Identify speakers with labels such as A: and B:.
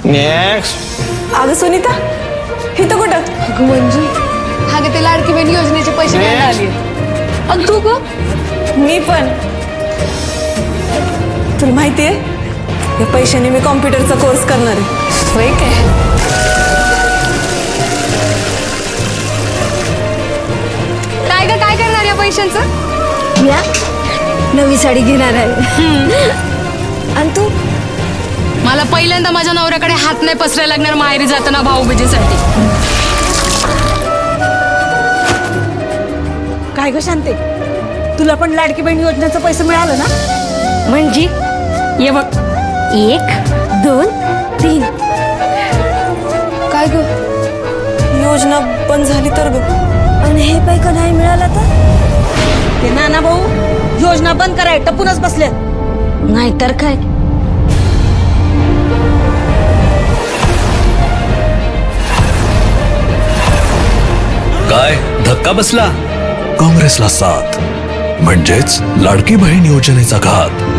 A: Next.
B: अगं सुनीता इथं कुठं?
C: अगं मंजू हा गे ते लाडकी बहीण योजनेचे पैसे घ्यायला आली. आणि तू ग?
B: मी पण. तुला माहितीये या पैशाने मी कॉम्प्युटरचा कोर्स करणार आहे.
C: होय काय? काय ग काय करणार या पैशांचं?
D: या नवी साडी घेणार आहे. आणि तू?
C: मला पहिल्यांदा माझ्या नवऱ्याकडे हात नाही पसरायला लागणार माहेरी जाताना भाऊबीजेसाठी.
E: काय ग शांते, तुला पण लाडकी बहीण योजनेचं पैसे मिळालं ना?
D: म्हणजे
C: ये बघ.
D: 1 2 3.
C: काय ग?
B: योजना बंद झाली तर ग.
D: आणि हे पैका नाही मिळाला तर?
E: ते नाना भाऊ योजना बंद कराय टपूनच बसले.
D: नाहीतर काय.
F: काय धक्का बसला? काँग्रेसला साथ म्हणजेच लाडकी बहीण योजनेचा घात.